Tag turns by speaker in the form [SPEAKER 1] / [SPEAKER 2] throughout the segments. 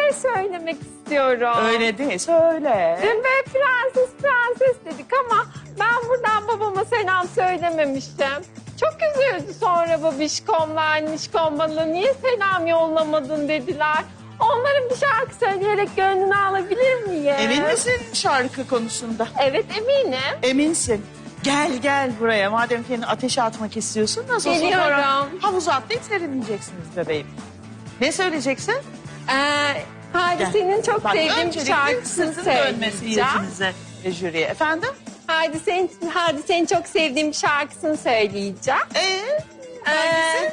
[SPEAKER 1] şey söylemek istiyorum.
[SPEAKER 2] Öyle değil, söyle.
[SPEAKER 1] Dün böyle prenses dedik ama ben buradan babama selam söylememiştim. Çok üzüldü sonra babişkomla annişkom bana niye selam yollamadın dediler. Onların bir şarkı söyleyerek gönlünü alabilir miyim?
[SPEAKER 2] Emin misin şarkı konusunda?
[SPEAKER 1] Evet eminim.
[SPEAKER 2] Eminsin. Gel buraya. Madem kendini ateşe atmak istiyorsun. Nasıl olsa
[SPEAKER 1] Geliyorum.
[SPEAKER 2] sonra havuza atlayıp serinleyeceksiniz bebeğim. Ne söyleyeceksin?
[SPEAKER 1] Hadise'nin çok
[SPEAKER 2] Bak,
[SPEAKER 1] sevdiğim bir
[SPEAKER 2] öncelikle
[SPEAKER 1] şarkısını
[SPEAKER 2] sırtın dönmesi
[SPEAKER 1] söyleyeceğim.
[SPEAKER 2] yüzünüze ve jüriye. Efendim?
[SPEAKER 1] Hadise'nin çok sevdiğim bir şarkısını söyleyeceğim.
[SPEAKER 2] Hangisi?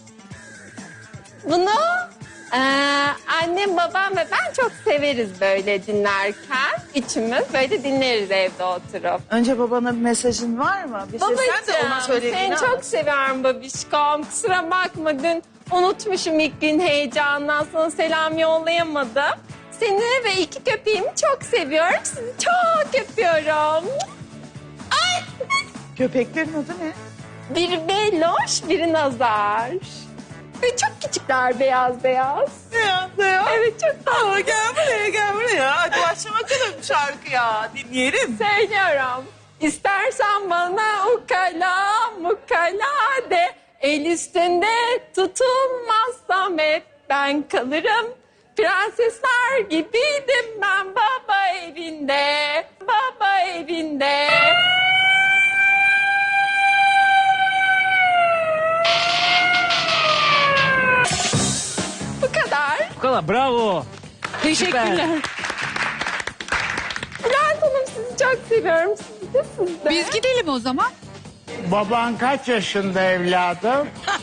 [SPEAKER 1] Bunu annem, babam ve ben çok severiz böyle dinlerken. Üçümüz böyle dinleriz evde oturup.
[SPEAKER 2] Önce babana bir mesajın var mı? Bir sen de ona söylediğini
[SPEAKER 1] seni çok seviyorum babişkom. Kusura bakma dün unutmuşum ilk gün heyecandan sana selam yollayamadım. Seni ve iki köpeğimi çok seviyorum. Sizi çok öpüyorum. Ay!
[SPEAKER 2] Köpeklerin adı ne?
[SPEAKER 1] Biri Beloş, biri Nazar. Ve çok küçükler beyaz.
[SPEAKER 2] Ne?
[SPEAKER 1] Evet çok tatlı.
[SPEAKER 2] Gel buraya. Hadi başla bakalım şarkıya. Dinleyelim.
[SPEAKER 1] Söylüyorum. İstersen bana ukala de. El üstünde tutulmazsam hep ben kalırım. Prensesler gibiydim ben baba evinde. Baba evinde. Bu kadar.
[SPEAKER 3] Bu kadar, bravo.
[SPEAKER 1] Teşekkürler. Bülent Hanım sizi çok seviyorum. Siz de.
[SPEAKER 4] Biz gidelim o zaman.
[SPEAKER 5] Baban kaç yaşında evladım?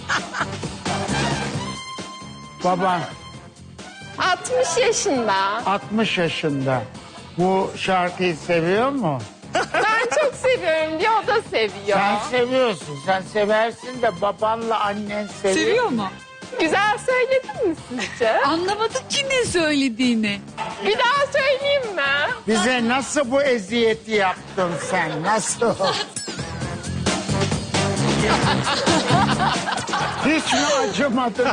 [SPEAKER 5] Baban
[SPEAKER 1] 60 yaşında.
[SPEAKER 5] 60 yaşında. Bu şarkıyı seviyor mu?
[SPEAKER 1] Ben çok seviyorum diye o da seviyor.
[SPEAKER 5] Sen seviyorsun. Sen seversin de babanla annen seviyor.
[SPEAKER 4] Seviyor mu?
[SPEAKER 1] Güzel söyledin mi sizce?
[SPEAKER 4] Anlamadık ki ne söylediğini.
[SPEAKER 1] Bir daha söyleyeyim mi?
[SPEAKER 5] Bize nasıl bu eziyeti yaptın sen? Nasıl? Hiç mi acımadın?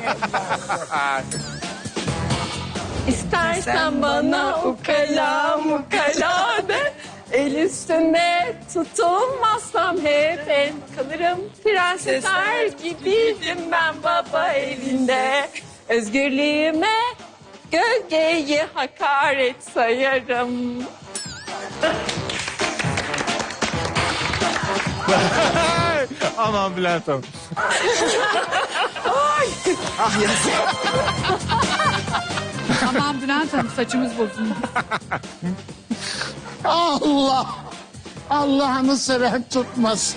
[SPEAKER 1] İstersen bana ukala de. El üstünde tutulmazsam hep ben kalırım. Prensesler gibiydim ben baba evinde. Özgürlüğüme gölgeyi hakaret sayarım.
[SPEAKER 3] Aman Bülent Hanım.
[SPEAKER 4] Aman Bülent Hanım saçımız bozuldu.
[SPEAKER 5] Allah! Allah'ını seven tutmasın.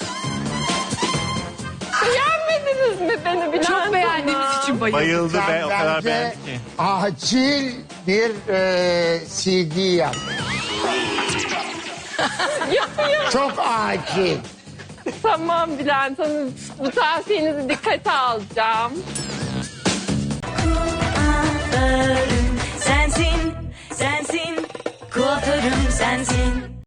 [SPEAKER 1] Beğenmediniz mi beni Bülent
[SPEAKER 4] Çok
[SPEAKER 1] Hanım?
[SPEAKER 4] beğendiğimiz için bayıldık.
[SPEAKER 3] Bayıldı be,
[SPEAKER 5] Sen
[SPEAKER 3] o kadar
[SPEAKER 5] bence
[SPEAKER 3] beğendi ki.
[SPEAKER 5] acil bir CD yap.
[SPEAKER 1] Yapıyorum.
[SPEAKER 5] Çok acil.
[SPEAKER 1] Tamam Bülent Hanım. Bu tavsiyenizi dikkate alacağım.
[SPEAKER 6] Sensin, kuaförüm sensin.